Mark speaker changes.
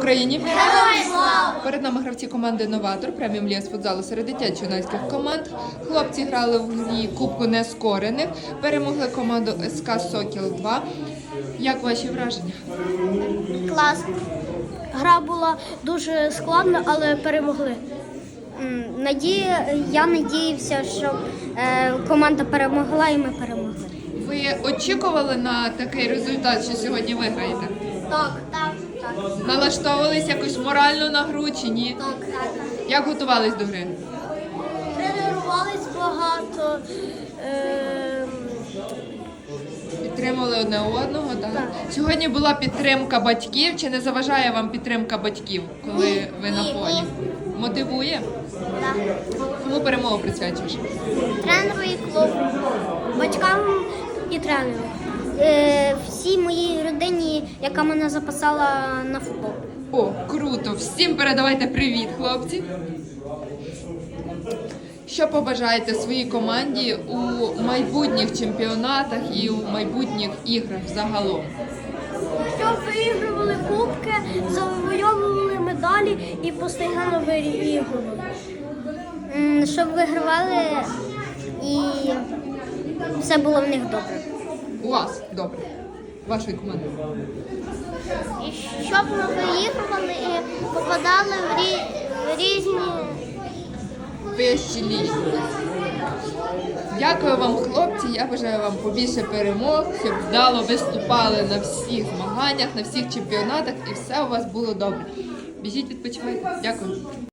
Speaker 1: Україні!
Speaker 2: Героям слава!
Speaker 1: Перед нами гравці команди «Новатор» преміум ліг з футзалу серед дитячо-юнацьких команд. Хлопці грали в грі Кубку Нескорених, перемогли команду СК «Сокіл-2». Як ваші враження?
Speaker 2: Клас. Гра була дуже складна, але перемогли. Я надіявся, що команда перемогла і ми перемогли.
Speaker 1: Ви очікували на такий результат, що сьогодні виграєте?
Speaker 2: Так.
Speaker 1: Налаштовувались якось морально на гру чи ні?
Speaker 2: Так.
Speaker 1: Як готувались до гри?
Speaker 2: Тренувались багато.
Speaker 1: Підтримували одне одного, так? Сьогодні була підтримка батьків. Чи не заважає вам підтримка батьків, коли ви на полі? Мотивує?
Speaker 2: Так.
Speaker 1: Кому перемогу присвячуєш?
Speaker 2: Тренеру і клубу, батькам і тренеру. Всій моїй родині, яка мене записала на футбол.
Speaker 1: О, круто! Всім передавайте привіт, хлопці! Що побажаєте своїй команді у майбутніх чемпіонатах і у майбутніх іграх загалом?
Speaker 2: Щоб виігрували кубки, завойовували медалі і постійно виігрували. Щоб вигравали і все було в них добре.
Speaker 1: У вас добре. Вашої команди.
Speaker 2: І щоб ми виігрували і попадали в різні
Speaker 1: Вищі ліги. Дякую вам, хлопці. Я бажаю вам побільше перемог, щоб вдало виступали на всіх змаганнях, на всіх чемпіонатах і все у вас було добре. Біжіть, відпочивайте. Дякую.